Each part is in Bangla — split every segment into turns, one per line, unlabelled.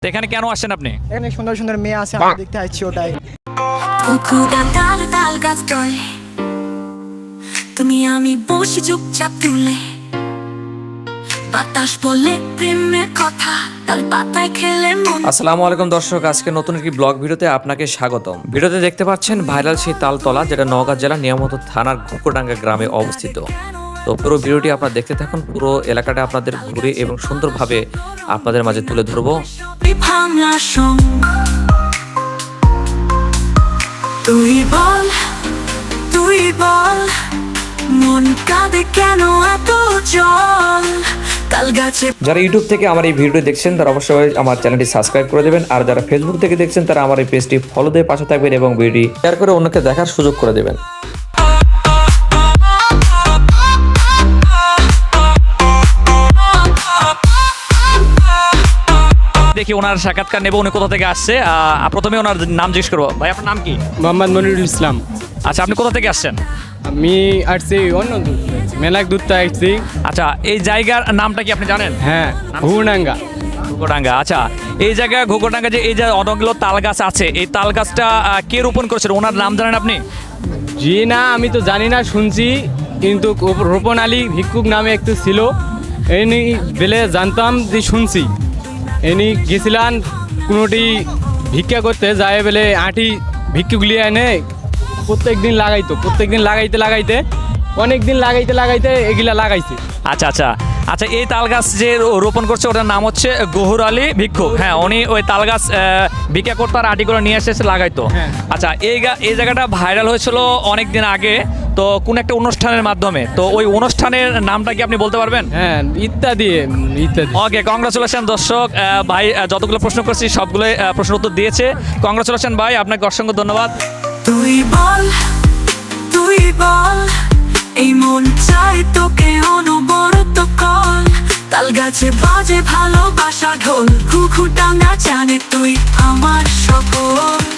এখানে কেন আসেন আপনি?
এখানে সুন্দর সুন্দর মেয়ে আছে, আমি দেখতে আসছি ওটাই।
তুমি আমি বসে চুপচাপ তুলে বাতাস বলে প্রেমের কথা তাল পাতায় খেলে মন।
আসসালামু আলাইকুম দর্শক, আজকে নতুন একটি ব্লগ ভিডিওতে আপনাকে স্বাগতম। ভিডিওতে দেখতে পাচ্ছেন ভাইরাল সেই তালতলা, যেটা নওগাঁ জেলার নিয়ামত থানার ঘুকোডাঙ্গা গ্রামে অবস্থিত। তো পুরো ভিডিওটি আপনারা দেখতে থাকুন, পুরো এলাকাটা আপনাদের ঘুরে এবং সুন্দরভাবে আপনাদের মাঝে তুলে ধরবো।
তুই বল তুই বল মন কাঁদে কেন এত জল তাল গাছে।
যারা ইউটিউব থেকে আমার এই ভিডিও দেখছেন তারা অবশ্যই আমার চ্যানেলটি সাবস্ক্রাইব করে দেবেন, আর যারা ফেসবুক থেকে দেখছেন তারা আমার এই পেজটি ফলো দিয়ে পাশে থাকবেন এবং ভিডিওটি শেয়ার করে অন্যকে দেখার সুযোগ করে দেবেন। দেখি ওনার সাক্ষাৎকার নেব, উনি কোথা থেকে আসছে। প্রথমে ওনার নাম জিজ্ঞেস করবো। ভাই আপনার নাম কি?
মোহাম্মদ মনিরুল ইসলাম।
আচ্ছা, আপনি কোথা থেকে আসছেন?
আমি আসছি অন্য দূর, মেলাক দূরটা আসছি।
আচ্ছা, এই জায়গার নামটা কি আপনি জানেন?
হ্যাঁ, ঘুগডাঙ্গা।
ঘুকোডাঙ্গা। আচ্ছা, এই জায়গায় ঘুকোডাঙ্গা যে এই যে অনেকগুলো তাল গাছ আছে, এই তাল গাছটা কে রোপণ করেছিল, ওনার নাম জানেন আপনি?
জি না, আমি তো জানি না, শুনছি। কিন্তু রোপণ আলী ভিক্ষুক নামে একটু ছিল, এনি বেলে জানতাম যে শুনছি। এনি গেছিলাম কোনোটি ভিক্ষা করতে যায় বেলে আঁটি ভিক্ষুগুলি এনে প্রত্যেক দিন লাগাইতে অনেক দিন লাগাইতে এগুলা লাগাইছে।
আচ্ছা আচ্ছা আচ্ছা, এই তাল গাছ যে রোপণ করছে ওটার নাম হচ্ছে গহুর আলী ভিক্ষুক। হ্যাঁ, উনি ওই তাল গাছ ভিক্ষা করতো আর আটি করে নিয়ে এসে লাগাইতো।
হ্যাঁ।
আচ্ছা, এই জায়গাটা ভাইরাল হয়েছিল অনেক দিন আগে, তো কোন একটা অনুষ্ঠানের মাধ্যমে। তো ওই অনুষ্ঠানের নামটা কি আপনি বলতে পারবেন?
হ্যাঁ, ইত্যাদি।
ওকে, কংগ্রাচুলেশন দর্শক। ভাই যতগুলো প্রশ্ন করছি সবগুলো প্রশ্ন উত্তর দিয়েছে। কংগ্রাচুলেশন ভাই, আপনাকে অসংখ্য ধন্যবাদ।
তুই বল এই মন চাই তোকে অনবরত কল তাল গাছে বাজে ভালোবাসা ঢোল ঘুঘুডাঙ্গা জানে তুই আমার সকল।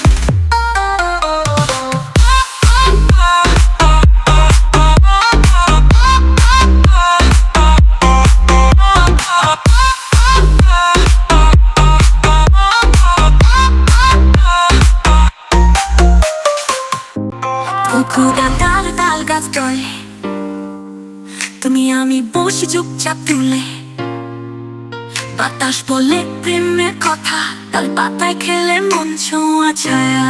ঘুঘুডাঙ্গার তাল গাছ তলে তুমি আমি বসে চুপচাপ তুলে বাতাস বলে প্রেমের কথা তাল পাতায় খেলে মন ছোঁয়া ছায়া।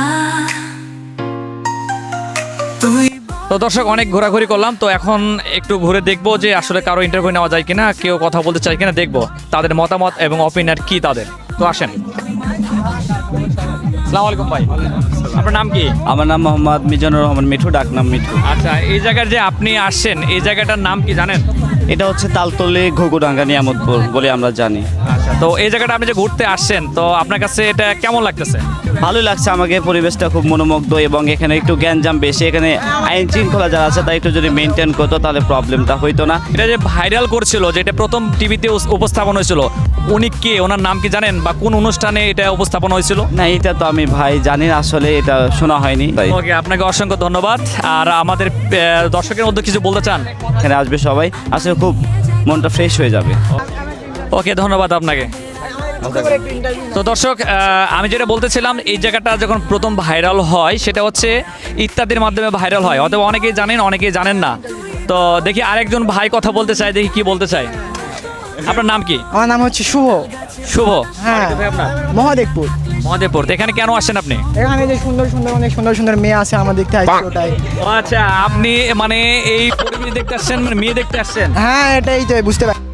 তুই
তো দর্শক, অনেক ঘোরাঘুরি করলাম, তো এখন একটু ঘুরে দেখবো যে আসলে কারো ইন্টারভিউ নেওয়া যায় কিনা, কেউ কথা বলতে চায় কিনা দেখবো, তাদের মতামত এবং অপিনিয়ন কি তাদের। তো আসেন। আসসালামু আলাইকুম ভাই, আপনার নাম কি?
আমার নাম মোহাম্মদ মিজানুর রহমান মিঠু, ডাক নাম মিঠু।
আচ্ছা, এই জায়গার যে আপনি আসছেন, এই জায়গাটার নাম কি জানেন?
এটা হচ্ছে তালতলি ঘুঘুডাঙ্গা নিয়ামতপুর বলে আমরা জানি।
আচ্ছা, তো এই জায়গাটা আপনি যে ঘুরতে আসছেন, তো আপনার কাছে এটা কেমন লাগতেছে?
ভালোই লাগছে আমাকে, পরিবেশটা খুব মনোমুগ্ধ এবং এখানে একটু জ্ঞানজাম বেশি। এখানে আইন শৃঙ্খলা যারা আছে তারা একটু যদি মেনটেন করতো তাহলে প্রবলেমটা হইতো না।
এটা যে ভাইরাল করছিল, যে এটা প্রথম টিভিতে উপস্থাপন হয়েছিল, উনি কে, ওনার নাম কি জানেন, বা কোন অনুষ্ঠানে এটা উপস্থাপন হয়েছিল?
না, এটা তো আমি ভাই জানি না, আসলে এটা শোনা হয়নি।
ওকে, আপনাকে অসংখ্য ধন্যবাদ। আর আমাদের দর্শকের মধ্যে কিছু বলতে চান?
এখানে আসবে সবাই, আসলে খুব মনটা ফ্রেশ হয়ে যাবে।
ওকে, ধন্যবাদ আপনাকে। তো দর্শক, আমি যেটা বলতেছিলাম, এই জায়গাটা যখন প্রথম ভাইরাল হয় সেটা হচ্ছে ইত্যাদির মাধ্যমে ভাইরাল হয়, অথবা অনেকেই জানেন অনেকেই জানেন না। তো দেখি আরেকজন ভাই কথা বলতে চাই, দেখি কি বলতে চাই। আপনার নাম কি?
আমার নাম হচ্ছে শুভ।
শুভ।
হ্যাঁ,
আপনার
মহাদেবপুর।
মহাদেবপুর। তো এখানে কেন আসেন আপনি?
এখানে যে অনেক সুন্দর সুন্দর মেয়ে আছে, আমরা দেখতে আসছি ওটাই।
ও আচ্ছা, আপনি মানে এই পরিবেশ দেখতে আসছেন, মানে মেয়ে দেখতে আসছেন?
হ্যাঁ, এটাই তো বুঝতে পারি।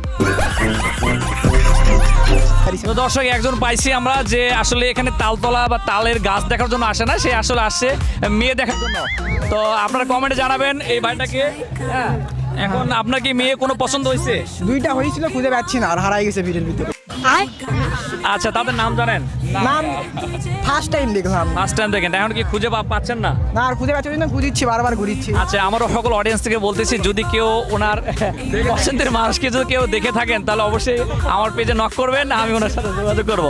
তো দর্শক, একজন পাইছি আমরা যে আসলে এখানে তালতলা বা তালের গাছ দেখার জন্য আসে না, সে আসলে আসছে মেয়ে দেখার জন্য। তো আপনারা কমেন্টে জানাবেন এই ভাইটাকে। হ্যাঁ, এখন আপনার কি মেয়ে কোনো পছন্দ হয়েছে?
দুইটা হয়েছিল, খুঁজে পাচ্ছি না, আর হারাই গেছে ভিড়ের ভিতরে।
আচ্ছা, তাদের নাম জানেন?
নাম ফার্স্ট টাইম দেখলাম।
ফার্স্ট টাইম দেখেন, এখন কি খুঁজে পাচ্ছেন না?
না, আর খুঁজে পাচ্ছি না, ঘুরিচ্ছি, বারবার ঘুরিচ্ছি।
আচ্ছা, আমারও সকল অডিয়েন্স থেকে বলতেছি, যদি কেউ ওনার পছন্দের মানুষকে যদি কেউ দেখে থাকেন তাহলে অবশ্যই আমার পেজে নক করবেন, আমি ওনার সাথে যোগাযোগ করব।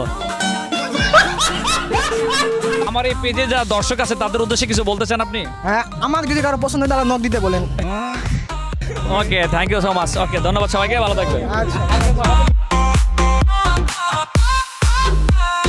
আমার এই পেজে যা দর্শক আছে তাদের উদ্দেশ্যে কিছু বলতে চান আপনি?
হ্যাঁ, আমার যদি কারো পছন্দ হয় তাহলে নক দিতে বলেন।
Okay, thank you so much. Okay, ধন্যবাদ সবাইকে, ভালো থাকবেন।
আচ্ছা।